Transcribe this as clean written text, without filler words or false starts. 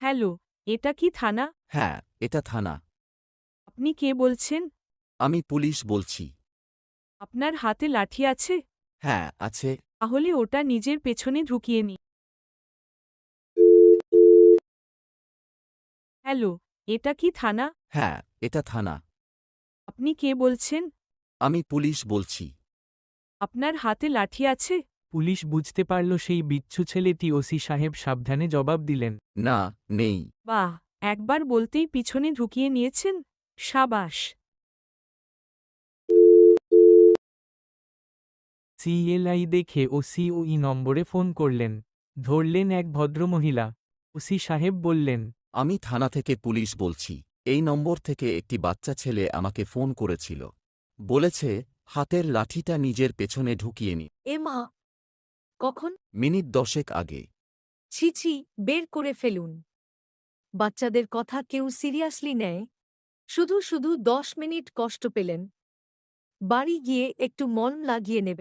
Hello, এটা কি থানা? হ্যাঁ, এটা থানা। আপনি কে বলছেন? আমি পুলিশ বলছি। আপনার হাতে লাঠি আছে? হ্যাঁ, আছে। তাহলে ওটা নিজের পেছনে ঢুকিয়ে নিন। হ্যালো, এটা কি থানা? হ্যাঁ, এটা থানা। আপনি কে বলছেন? আমি পুলিশ বলছি। আপনার হাতে লাঠি আছে? পুলিশ বুঝতে পারল সেই বিচ্ছু ছেলেটি ওসি সাহেব সাবধানে জবাব দিলেন। না, নেই। বাহ, একবার বলতেই পিছনে ঢুকিয়ে নিয়েছেন? সাবাস। সিএলআই দেখে ওসি ওই নম্বরে ফোন করলেন। ধরলেন এক ভদ্রমহিলা। ওসি সাহেব বললেন, আমি থানা থেকে পুলিশ বলছি। এই নম্বর থেকে একটি বাচ্চা ছেলে আমাকে ফোন করেছিল। বলেছে, হাতের লাঠিটা নিজের পেছনে ঢুকিয়ে নি। এ মা! কখন? মিনিট 10 আগে। ছি ছি, বের করে ফেলুন। বাচ্চাদের কথা কেউ সিরিয়াসলি নেয়? শুধু শুধু 10 মিনিট কষ্ট পেলেন। বাড়ি গিয়ে একটু মলম লাগিয়ে নেবে।